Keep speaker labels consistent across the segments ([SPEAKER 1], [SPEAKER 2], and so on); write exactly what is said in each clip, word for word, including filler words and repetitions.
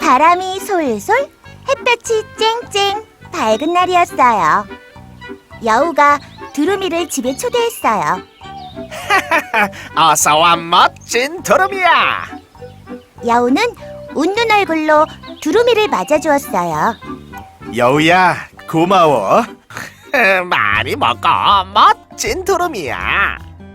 [SPEAKER 1] 바람이 솔솔, 햇볕이 쨍쨍, 밝은 날이었어요. 여우가 두루미를 집에 초대했어요.
[SPEAKER 2] 어서와 멋진 두루미야.
[SPEAKER 1] 여우는 웃는 얼굴로 두루미를 맞아주었어요.
[SPEAKER 2] 여우야, 고마워. 많이 먹어, 멋진 두루미야.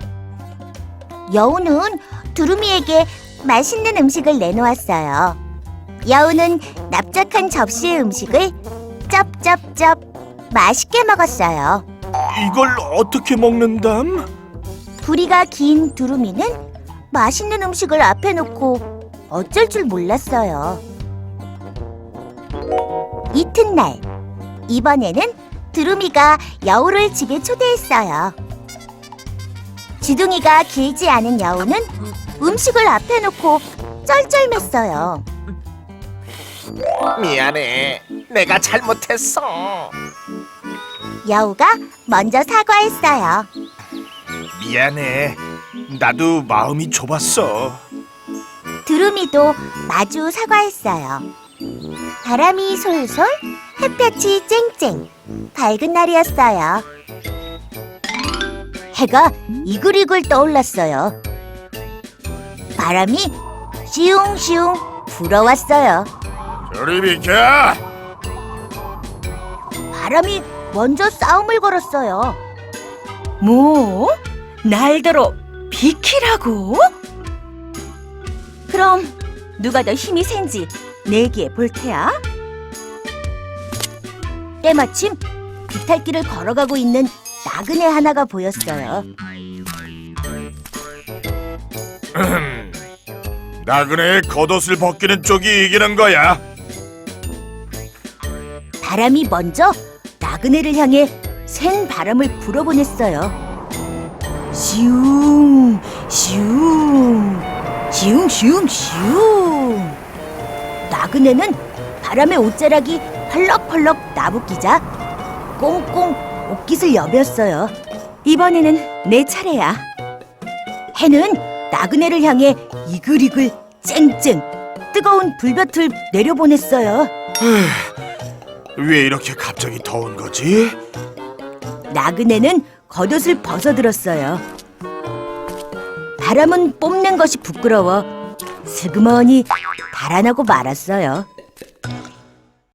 [SPEAKER 1] 여우는 두루미에게 맛있는 음식을 내놓았어요. 여우는 납작한 접시의 음식을 쩝쩝쩝 맛있게 먹었어요.
[SPEAKER 2] 이걸 어떻게 먹는담?
[SPEAKER 1] 부리가 긴 두루미는 맛있는 음식을 앞에 놓고 어쩔 줄 몰랐어요. 이튿날, 이번에는 두루미가 여우를 집에 초대했어요. 지둥이가 길지 않은 여우는 음식을 앞에 놓고 쩔쩔맸어요.
[SPEAKER 2] 미안해, 내가 잘못했어.
[SPEAKER 1] 여우가 먼저 사과했어요.
[SPEAKER 2] 미안해, 나도 마음이 좁았어.
[SPEAKER 1] 두루미도 마주 사과했어요. 바람이 솔솔, 햇볕이 쨍쨍, 밝은 날이었어요. 해가 이글이글 떠올랐어요. 바람이 시웅시웅 불어왔어요.
[SPEAKER 2] 저리 비켜!
[SPEAKER 1] 바람이 먼저 싸움을 걸었어요.
[SPEAKER 3] 뭐? 날더러 비키라고? 그럼 누가 더 힘이 센지 내기해 볼 테야.
[SPEAKER 1] 때마침 비탈길을 걸어가고 있는 나그네 하나가 보였어요.
[SPEAKER 2] 나그네의 겉옷을 벗기는 쪽이 이기는 거야.
[SPEAKER 1] 바람이 먼저 나그네를 향해 센 바람을 불어보냈어요.
[SPEAKER 3] 슝, 슝, 슝, 슝, 슝.
[SPEAKER 1] 나그네는 바람의 옷자락이 펄럭펄럭 나부끼자 꽁꽁 옷깃을 여몄어요.
[SPEAKER 3] 이번에는 내 차례야.
[SPEAKER 1] 해는 나그네를 향해 이글이글 쨍쨍 뜨거운 불볕을 내려보냈어요.
[SPEAKER 2] 왜 이렇게 갑자기 더운 거지?
[SPEAKER 1] 나그네는 겉옷을 벗어들었어요. 바람은 뽐낸 것이 부끄러워 스그머니 달아나고 말았어요.